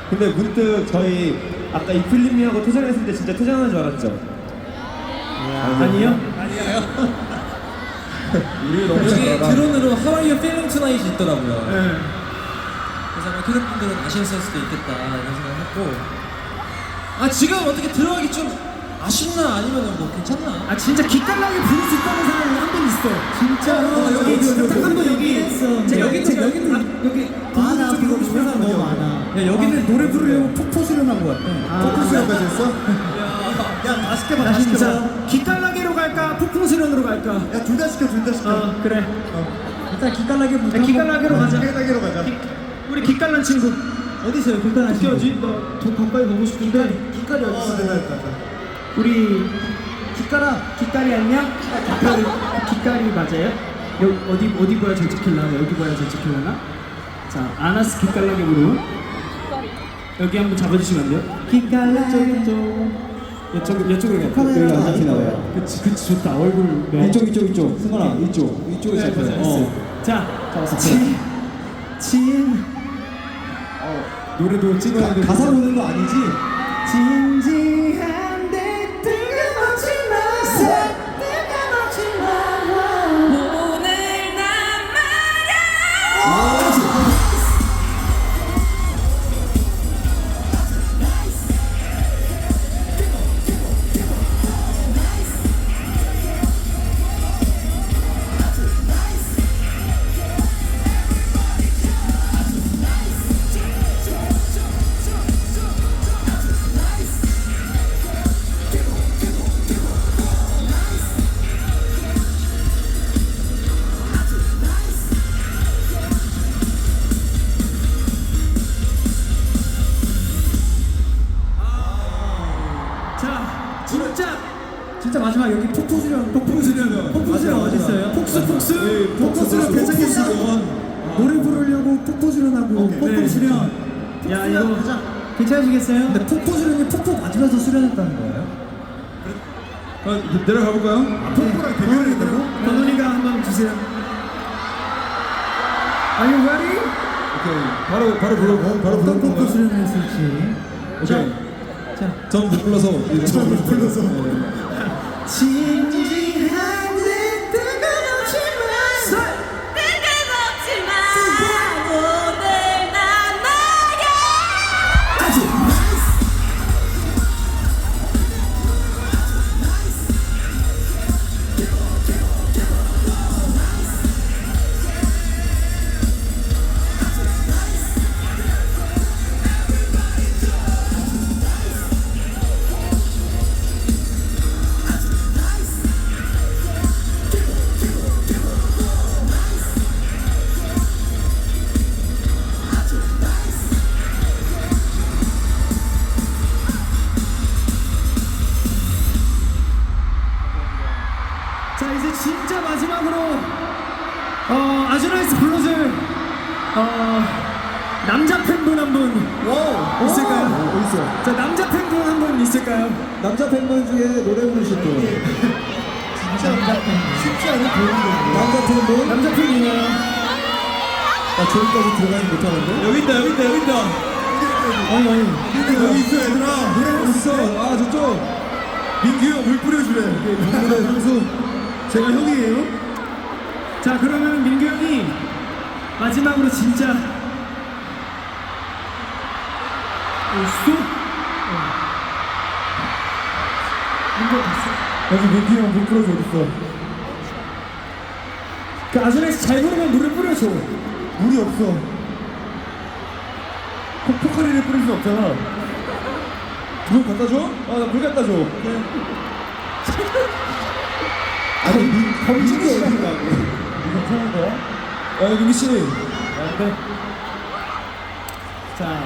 근데 문득 저희 아까 이 필름이하고 퇴장했을 때 진짜 퇴장한 줄 알았죠? 아니요? 아니에요. 우리 너무 여기 잘하다. 드론으로 하와이어 필링 투나잇이 있더라고요. 네. 그래서 아마 캐럿분들은 아쉬웠을 수도 있겠다 이런 생각했고, 아 지금 어떻게 들어가기 좀 아쉽나 아니면 뭐 괜찮나? 아 진짜 기깔나게 부를 수 있다는 사람이 한 분 있어. 진짜로. 여기 한번 여기. 자 여기는 여기 많아. 부르고 싶은 사람 너무 많아. 야 여기는 노래 부르려고 폭포 수련한 것 같아. 포커스 여기까지 했어? 야, 다 시켜봐, 다 시켜봐. 진짜 기깔나게로 갈까? 폭풍 수련으로 갈까? 야, 둘 다 시켜, 둘 다 시켜. 그래. 일단 기깔나게부터. 기깔나게로 가자. 기깔나게로 가자. 우리 기깔난 친구. 어디 있어요, 기깔나 친구? 어디? 나더 가까이 보고 싶은데. 기깔이 어디 있어? 내가 가자. 우리 기깔이 안녕? 기깔이 맞아요? 어디 봐야 잘 찍힐라나? 여기 봐야 잘 찍힐라나? 자, 아나스 기깔나게으로 여기 한번 잡아주시면 안 돼요? 기깔나게 이쪽으로 가요. 카메라가 안 잡히나봐요. 그치 좋다. 얼굴 이쪽. 승관아, 이쪽에 잡혀요. 자, 잡았어. 노래도 찍어야 돼. 가사 보는 거 아니지? 진지한데 뜬금없지 마. 오늘 난 말야. 자, 진짜 마지막 여기 폭풍 수련 어디 있어요? 폭스 수련 괜찮겠어. 노래 부르려고 폭포 수련하고 폭포 수련. 야 이거 괜찮으시겠어요? 근데 폭포 수련이 폭포 맞으면서 수련했다는 거예요? 내려가 볼까요? 폭포랑 대결이 있다고? 건훈이가 한번 주세요. Are you ready? 오케이. 바로 불러. 바로 어떤 폭포 불러. 수련을 했을지. 오케이. 자, 전못 불러서. 못 불러서. 진지한데 뜬금없지 마. 뜬금없지 마. 오늘 난 말야. 자 이제 진짜 마지막으로 아주나이스 불러줄 남자 팬분 한 분 있을까요? 어디 있어? 자 남자 팬분 한 분 있을까요? 남자 팬분 중에 노래 부르실 분. 진짜 남자 팬. 쉽지 않은 보이는 남자 팬분? 남자 팬이요. 나 저기까지 들어가지 못하는데? 여기 있다. 아니 여기 있어, 얘들아. 노래 있어. 아, 저쪽. 민규 형 물 뿌려주래. 노래 선수. 제가 형이에요. 자 그러면 민규 형이 마지막으로 진짜 민규 봤어? 여기 민기 형 물 뿌려줘 어딨어? 그 아주나이스 잘 부르면 물을 뿌려줘. 물이 없어. 포카리를 뿌릴 수 없잖아. 물 갖다 줘? 아, 나 물 갖다 줘. 아니, 검증이 어디라고? 이거 편한 거야? 아, 민기 씨. 네. 자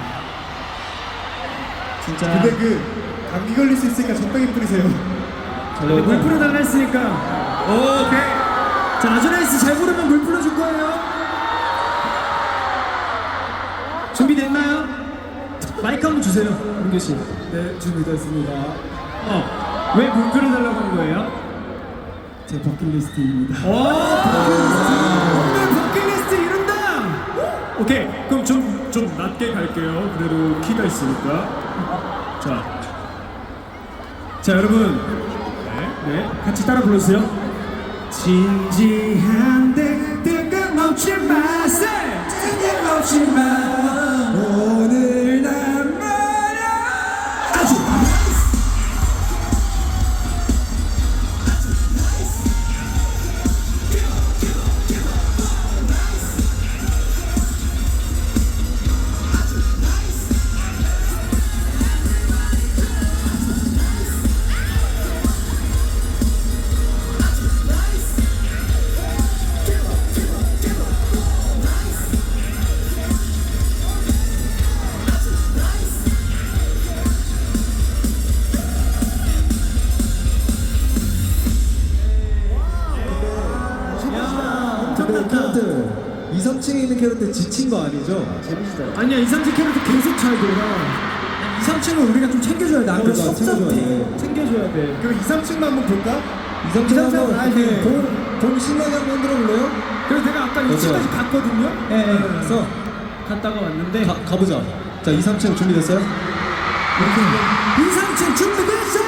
진짜 근데 감기 걸릴 수 있으니까 적당히 뿌리세요. 물 뿌려달라 했으니까 오케이. 자 아주나이스 잘 부르면 물 뿌려줄 거예요. 준비됐나요? 마이크 한번 주세요 민규 씨. 네, 준비됐습니다. 왜 물 뿌려달라고 한 거예요? 제 버킷리스트입니다. 오 버킷리스트. 오늘 버킷리스트 이룬다. 오케이 그럼 좀 좀 낮게 갈게요. 그래도 키가 있으니까. 자 여러분, 네, 같이 따라 불러주세요. 진지한데 뜬금없지 마세, 뜬금없지 마. 오늘 난 말야. 아주 근데 캐럿들 2, 3층에 있는 캐럿들 지친 거 아니죠? 재밌어요. 아니야, 2, 3층 캐릭터 계속 잘 돌아. 2, 3층은 우리가 좀 챙겨줘야 돼. 안 그러면 그러니까 섭섭해. 챙겨줘야 챙겨줘야 돼. 그럼 2, 3층만 한번 볼까? 2, 3층 한번 아니, 봄 신나게 한번 흔들어 볼래요? 그래서 내가 아까 2층까지 갔거든요. 예, 예. 그래서 갔다가 왔는데 가보자. 자, 2, 3층 준비됐어요? 2, 3층 준비됐어!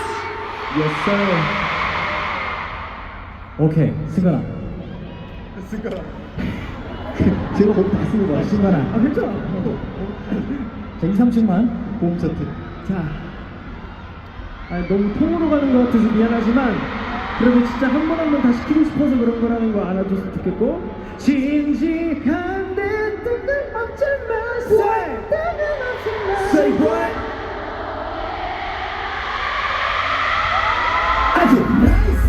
오케이, 승관아. 제가 거기 봤습니다. 승관아. 아, 괜찮아. 자, 2, 3층만. 봄 차트. 자, 너무 통으로 가는 것 같아서 미안하지만 그래도 진짜 한 번 한 번 다 시키고 싶어서 그런 거라는 거 알아줬으면 좋겠고. 진지한데 뜬금없지 마. 뜬금없지 마. Say what? 아주 nice.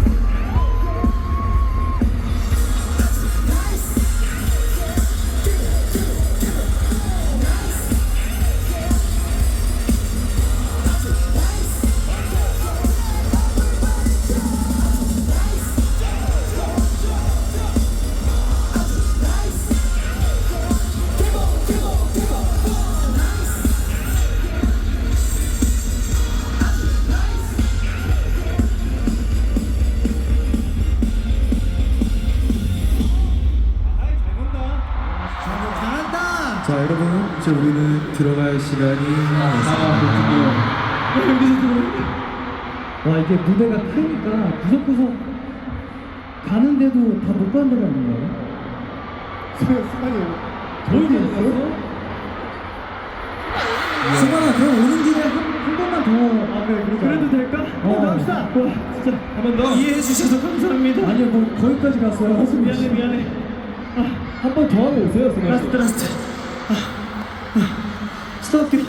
자, 여러분, 이제 우리는 들어갈 시간이 왔습니다. 와, 이게 무대가 크니까 구석구석 가는데도 다 못 가는 데가 있는 거예요? 저희도 있어요? 수건아, 그럼 오는 길에 한 번만 더. 그래, 그래도 될까? 갑시다. 와, 진짜 한 번 더. 이해해 주셔서 감사합니다. 아니요, 뭐 거기까지 갔어요. 미안해. 한 번 더 하고 오세요, 라스트. 스톱.